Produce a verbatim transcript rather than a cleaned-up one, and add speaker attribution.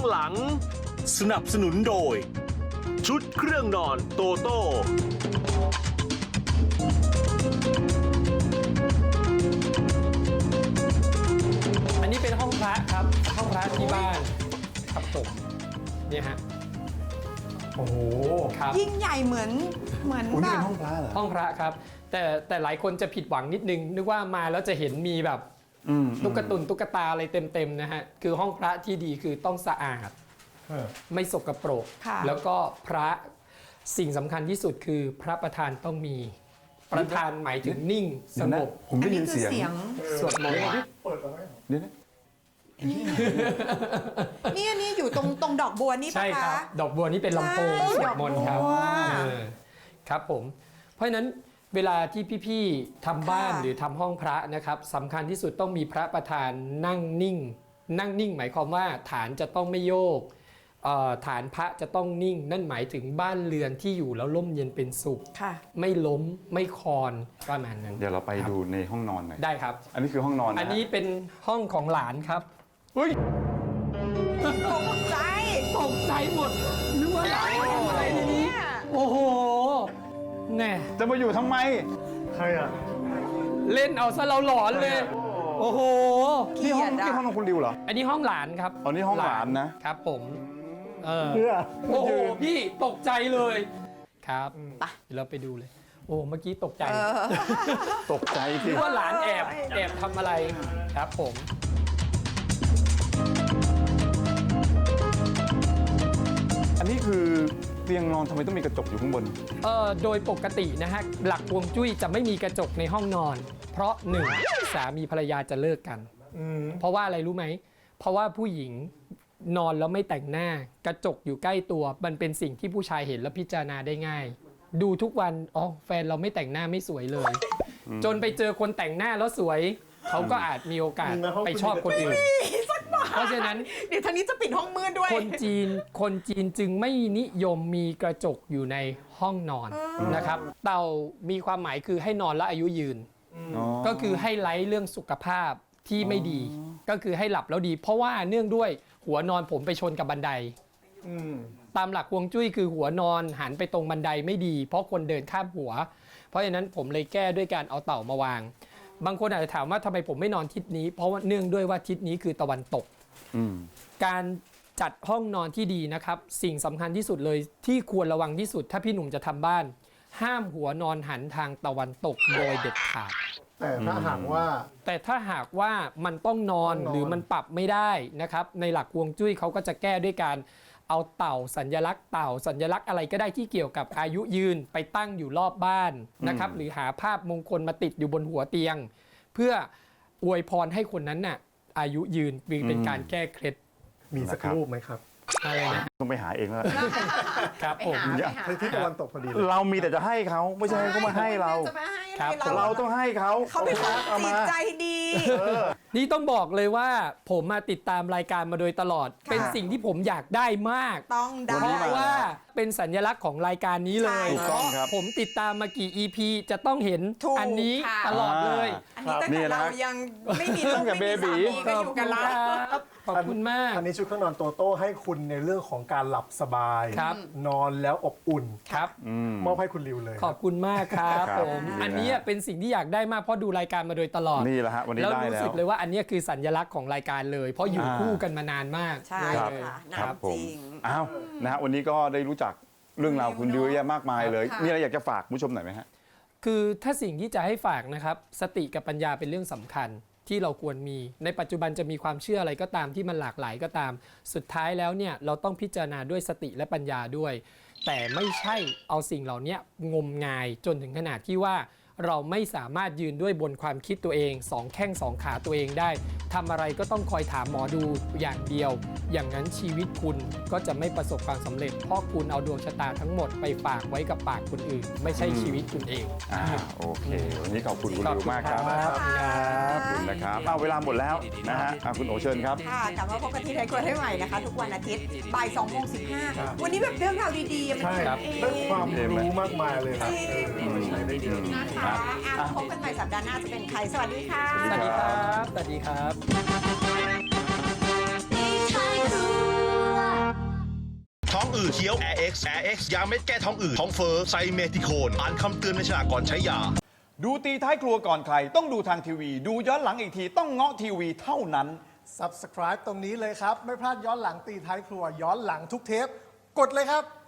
Speaker 1: หลังสนับสนุนโดยชุดเครื่องนอนโตโต้
Speaker 2: อันนี้เป็นห้องพระครับห้องพระที่บ้านครับผมเนี่ยฮะโอ้โหครับ
Speaker 3: ยิ่งใหญ่เหมือนเหมือน
Speaker 4: อุ้ย
Speaker 3: แบ
Speaker 4: นี่เป็
Speaker 3: บ
Speaker 4: นห้องพระเหรอ
Speaker 2: ห้องพระครับแต่แต่หลายคนจะผิดหวังนิดนึงนึกว่ามาแล้วจะเห็นมีแบบ
Speaker 4: อืม
Speaker 2: ตุ๊กตุนตุ๊กตาอะไรเต็มๆนะฮะคือห้องพระที่ดีคือต้องสะอาดไม่สกปรก
Speaker 3: ค่ะ
Speaker 2: แล้วก็พระสิ่งสำคัญที่สุดคือพระประธานต้องมีประธานหมายถึงนิ่งส
Speaker 4: เดี๋ยว
Speaker 2: ง
Speaker 4: นะ
Speaker 2: บ
Speaker 4: ผม
Speaker 3: อั
Speaker 4: ได้
Speaker 3: น
Speaker 4: ยิ
Speaker 3: นี้
Speaker 4: น
Speaker 3: คือ
Speaker 4: เสียง
Speaker 3: เสียง
Speaker 2: สวดมนต์
Speaker 4: เดี๋ยวนะ
Speaker 3: นี่อันนี้อยู่ตรงตรงดอกบัวนี่ปะ
Speaker 2: ใช่ค
Speaker 3: คะ
Speaker 2: รับดอกบัวนี่เป็นลำโพง
Speaker 3: ใช่
Speaker 2: สวดมนต์ครับ
Speaker 3: ดอกบัว
Speaker 2: เออครับผมเพราะฉะนั้นเวลาที่พี่ๆทำบ้าน
Speaker 3: ค่ะ
Speaker 2: หรือทำห้องพระนะครับสำคัญที่สุดต้องมีพระประธานนั่งนิ่ง นั่งนิ่ง หมายความว่าฐานจะต้องไม่โยกเอ่อฐานพระจะต้องนิ่ง นั่นหมายถึงบ้านเรือนที่อยู่แล้วร่มเย็นเป็นสุข
Speaker 3: ค่ะ
Speaker 2: ไม่ล้มไม่คลอนประมาณนั้น
Speaker 4: เดี๋ยวเราไปดูในห้องนอนหน่อย
Speaker 2: ได้ครับ
Speaker 4: อันนี้คือห้องนอนนะ
Speaker 2: อันนี้เป็นห้องของหลานครับเฮ้ย
Speaker 3: ตกใจ
Speaker 2: ตกใจหมดนึกว่าหลานทำอะไรในนี้ โอ้โหแน่
Speaker 4: จะมาอยู่ทำไม
Speaker 2: เล่นเอาซะเราหลอนเลย โอ้โห
Speaker 4: นี่ห้อง
Speaker 3: เกลียดอะ
Speaker 4: นี่ห้องของคุณดิวเหรอ
Speaker 2: อันนี้ห้องหลานครับ
Speaker 4: อ๋อนี่ห้องหลานนะ
Speaker 2: ครับผมเออโอ้โหพี่ตกใจเลยครับเดี๋ยวเราไปดูเลย โอ้เมื่อกี้ตกใจ
Speaker 3: เออ
Speaker 4: ตกใจที่
Speaker 2: คิดว่าหลานแอบแอบทำอะไรครับผม
Speaker 4: อันนี้คือเตียงนอนทำไมต้องมีกระจกอยู่ข้างบน
Speaker 2: เอ่อโดยปกตินะฮะหลักฮวงจุ้ยจะไม่มีกระจกในห้องนอน เพราะหนึ่งสามีภรรยาจะเลิกกันเพราะว่าอะไรรู้ไหมเพราะว่าผู้หญิงนอนแล้วไม่แต่งหน้ากระจกอยู่ใกล้ตัวมันเป็นสิ่งที่ผู้ชายเห็นแล้วพิจารณาได้ง่าย ดูทุกวันอ๋อแฟนเราไม่แต่งหน้าไม่สวยเลย จนไปเจอคนแต่งหน้าแล้วสวยเขาก็อาจมีโอกาสไปชอบคนอื่น เพราะฉะนั้น
Speaker 3: เดี๋ยวทางนี้จะปิดห้องมืดด้วย
Speaker 2: คนจีน คนจีนจึงไม่นิยมมีกระจกอยู่ในห้องนอนนะครับ เต่ามีความหมายคือให้นอนแล้วอายุยืน
Speaker 4: อ๋อ
Speaker 2: ก็คือให้ไร้เรื่องสุขภาพที่ไม่ดี ก็คือให้หลับแล้วดี เพราะว่าเนื่องด้วยหัวนอนผมไปชนกับบันได ตามหลักฮวงจุ้ยคือหัวนอนหันไปตรงบันไดไม่ดี เพราะคนเดินข้ามหัว เพราะฉะนั้นผมเลยแก้ด้วยการเอาเต่ามาวาง บางคนอาจจะถามว่าทำไมผมไม่นอนทิศนี้ เพราะว่าเนื่องด้วยว่าทิศนี้คือตะวันตก
Speaker 4: อืม
Speaker 2: การจัดห้องนอนที่ดีนะครับ สิ่งสำคัญที่สุดเลยที่ควรระวังที่สุด ถ้าพี่หนุ่มจะทำบ้าน ห้ามหัวนอนหันทางตะวันตกโดยเด็ดขาด
Speaker 5: แต่ถ้าหากว่า
Speaker 2: แต่ถ้าหากว่ามันต้องนอน
Speaker 5: ต้องนอน
Speaker 2: หรือมันปรับไม่ได้นะครับ ในหลักฮวงจุ้ยเขาก็จะแก้ด้วยการเอาเต่าสัญลักษณ์เต่าสัญลักษณ์อะไรก็ได้ที่เกี่ยวกับอายุยืนไปตั้งอยู่รอบบ้านนะครับ หรือหาภาพมงคลมาติดอยู่บนหัวเตียง เพื่ออวยพรให้คนนั้นน่ะอายุยืนเป็นการแก้เคล็ด
Speaker 5: มีสักรูปไหมครับ
Speaker 2: อะไรนะ
Speaker 4: ต้องไปหาเองแล้ว
Speaker 2: ครับผม
Speaker 3: ไปหาไปหา
Speaker 5: ที่ตะวันตกพอดีเลย
Speaker 4: เรามีแต่จะให้เขาไม่ใช่ให้เขามาให้เรา
Speaker 3: จะมาให้
Speaker 2: ครับ
Speaker 3: อะไร
Speaker 4: เราต้องให้เขา
Speaker 3: เขาเป็นคน
Speaker 4: เอา
Speaker 3: จิ
Speaker 4: มา
Speaker 3: ตใจดี
Speaker 2: นี่ต้องบอกเลยว่าผมมาติดตามรายการมาโดยตลอด
Speaker 3: ค่ะ
Speaker 2: เป็นสิ่งที่ผมอยากได้มาก
Speaker 3: ต้องได้
Speaker 4: วันนี้
Speaker 2: เพราะว่าเป็นสัญลักษณ์ของรายการนี้เลย
Speaker 4: ถูกต้องครับ
Speaker 2: ผมติดตามมากี่ อี พี จะต้องเห็น
Speaker 3: ถูก
Speaker 2: อันนี้
Speaker 3: ค่ะ
Speaker 2: ตลอดเลย
Speaker 3: อันนี้ตั้ง
Speaker 4: นี่
Speaker 3: แต่
Speaker 4: นะ
Speaker 3: เรายังไม่มีลู
Speaker 4: ตั้
Speaker 3: ก
Speaker 4: งแต่
Speaker 3: ไม่มี
Speaker 4: เบบี
Speaker 3: สามีก็อยู่กันแล้ว
Speaker 2: ครับขอบคุณมาก
Speaker 5: อันนี้ชุดเครื่องนอนโตโต้ให้คุณในเรื่องของการหลับสบาย
Speaker 2: ครับ
Speaker 5: นอนแล้วอบอุ่น
Speaker 2: ครับ
Speaker 4: อืม
Speaker 5: มอบให้คุณริวเลย
Speaker 2: ขอบคุณมากครับ
Speaker 4: ครับ
Speaker 2: ผม
Speaker 4: ดีนะ
Speaker 2: อันนี้เป็นสิ่งที่อยากได้มากเพราะดูรายการมาโดยตลอด
Speaker 4: นี่แหละฮะวันนี้
Speaker 2: แล้ว
Speaker 4: ได้
Speaker 2: รู้
Speaker 4: แล้
Speaker 2: สึ
Speaker 4: ว
Speaker 2: กเลยว่าอันนี้คือสัญลักษณ์ของรายการเลย เพราะอยู่
Speaker 4: อ่า
Speaker 2: คู่กันมานานมาก
Speaker 3: ใช่
Speaker 4: ครับ
Speaker 3: ค่ะ
Speaker 4: ครับ
Speaker 3: น้ำ
Speaker 4: ผ
Speaker 3: จ
Speaker 4: ม
Speaker 3: ริง
Speaker 4: อ้าวนะฮะวันนี้ก็ได้รู้จักเรื่องราวคุณดิวเยอะแยะมากมายเลย
Speaker 3: ค่ะ
Speaker 4: มีอะไรอยากจะฝากผู้ชมหน่อยไหมฮะ
Speaker 2: คือถ้าสิ่งที่จะให้ฝากนะครับ สติกับปัญญาเป็นเรื่องสำคัญที่เราควรมี ในปัจจุบันจะมีความเชื่ออะไรก็ตามที่มันหลากหลายก็ตาม สุดท้ายแล้วเนี่ยเราต้องพิจารณาด้วยสติและปัญญาด้วย แต่ไม่ใช่เอาสิ่งเหล่านี้งมงายจนถึงขนาดที่ว่าเราไม่สามารถยืนด้วยบนความคิดตัวเองสองแข้งสองขาตัวเองได้ทำอะไรก็ต้องคอยถามหมอดูอย่างเดียว อย่างนั้นชีวิตคุณก็จะไม่ประสบความสำเร็จ เพราะคุณเอาดวงชะตาทั้งหมดไปฝากไว้กับปากคนอื่น ไม่ใช่ชีวิตคุณเอง
Speaker 4: อ่าโอเค วันนี้ขอบคุณคุณ
Speaker 2: ขอบ
Speaker 4: ดิว
Speaker 2: คุณ
Speaker 4: มากครับ
Speaker 2: ครับ
Speaker 4: ขอบคุณนะครับเอาเวลาหมดแล้วนะฮะอ่ะคุณโอเชิญครับ
Speaker 3: ค่ะกลับมาพบกันที่ไทยครัวให้ใหม่นะคะ ทุกวันอาทิตย์บ่ายสองโมงสิบห้าวันนี้แบบเรื่องราวดีๆมา
Speaker 5: ใช่
Speaker 3: กินเอง
Speaker 5: ได้ความรู้มากมายเลยครับ
Speaker 3: จริง
Speaker 5: เออใช้ได้เยอะ
Speaker 3: นะคะอ่ะพบกันใหม่สัปดาห์หน้าจะเป็นใคร สวัสดีค่ะ
Speaker 2: สวัสดีครับ สวัสดีครับ
Speaker 6: 你太酷。 อืดเคี้ยว Air X Air X ยาเม็ดแก้ท้องอืดท้องเฟ้อไซเมทิโคนอ่านคำเตือนในฉลากก่อนใช้ยา
Speaker 4: ดูตีท้ายครัวก่อนใครต้องดูทางทีวี ดูย้อนหลังอีกทีต้องเงาะทีวีเท่านั้น
Speaker 5: Subscribe ตรงนี้เลยครับ ไม่พลาดย้อนหลังตีท้ายครัวย้อนหลังทุกเทป กดเลยครับ